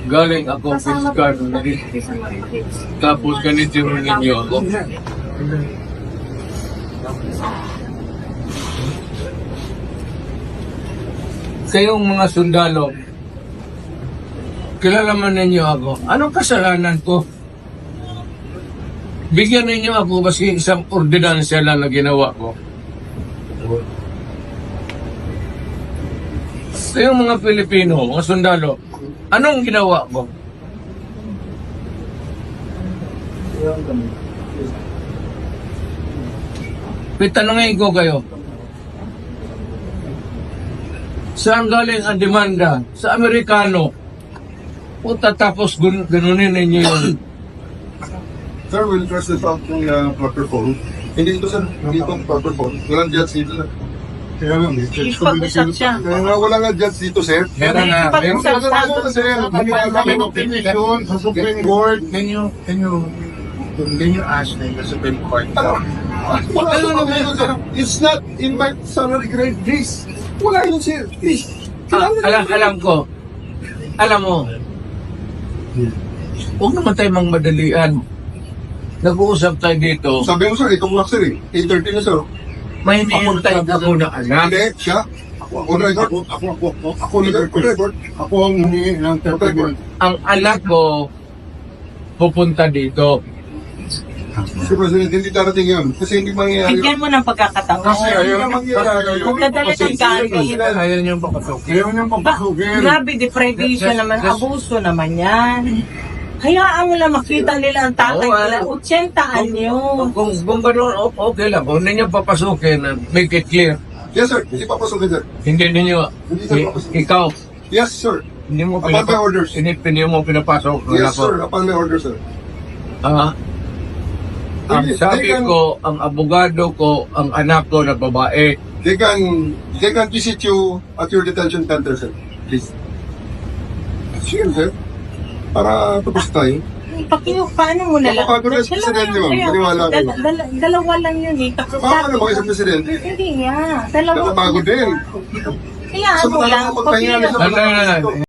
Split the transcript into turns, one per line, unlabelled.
Galing ako
Kasama
fiscal.
po sa mga kids.
Tapos ganito rin ninyo ako. Kayong mga sundalo, kilala man ninyo ako. Anong kasalanan ko? Bigyan ninyo ako kasi isang ordinansya lang na ginawa ko. Kayong mga Pilipino, mga sundalo, anong ginawa ko? Pitanungin ko kayo. Saan galing ang demanda? Sa Amerikano. Puta tapos ganunin ninyo yun.
Sir, we'll trust this out yung proper phone. Hindi ito, sir. Hindi ito proper phone. Walang judge dito, sir. Kaya nga, may judge.
Ipag-usap siya.
Kaya nga, wala nga judge dito, sir.
Meron na. Meron
Ipag-usap
Sir,
siya.
sir, kami opinion sa Supreme Court.
Can you ask them the Supreme Court?
Wala naman, sir. It's not in my salary grade, please. Wala yun, sir. Please.
Alam ko. Alam mo. Huwag naman tayo mang madalian. Nag-uusap tayo dito.
Sabi mo, sir, itong lock, sir, eh. 8:30 na, sir.
May hinihintay ako na alam.
Hindi, siya. Ako na record. Ako na record.
Ako ang hindi ng 30 minutes.
Ang anak ko pupunta dito.
Si President, hindi darating yun. Kasi hindi mangyayari.
Bigyan mo ng pagkakataon.
Kasi ayaw mangyayari.
Magdadala ng galing.
Ayaw niyong papasukin.
Ayaw niyang papasukin.
Grabe, deprivation naman. Abuso naman yan. Hayaan mo lang makita nila ang tatay nila. 80 anyo.
Kung gano'n, okay lang. Kung hindi niyo papasukin, make it clear.
Yes, sir. Hindi papasukin, sir.
Hindi ninyo, ikaw,
Yes, sir.
hindi mo
Upon my orders.
hindi mo pinapasok.
Yes, sir. Upon my orders, sir.
Ang sabi ko, ang abogado ko, ang anak ko na babae,
They can visit you at your detention center, sir. Please. Sige, sir. Para tapos tayo.
Paano mo na lang?
Napapagod na si Presidente, ma'am. Paniwala ka, ma'am.
Dalawa lang yun eh.
Baka naman kayo sa Presidente.
Hindi nga. Dalawa.
Napapagod din.
Kaya mo lang.
Sa mga magpahinga na sa
Ano,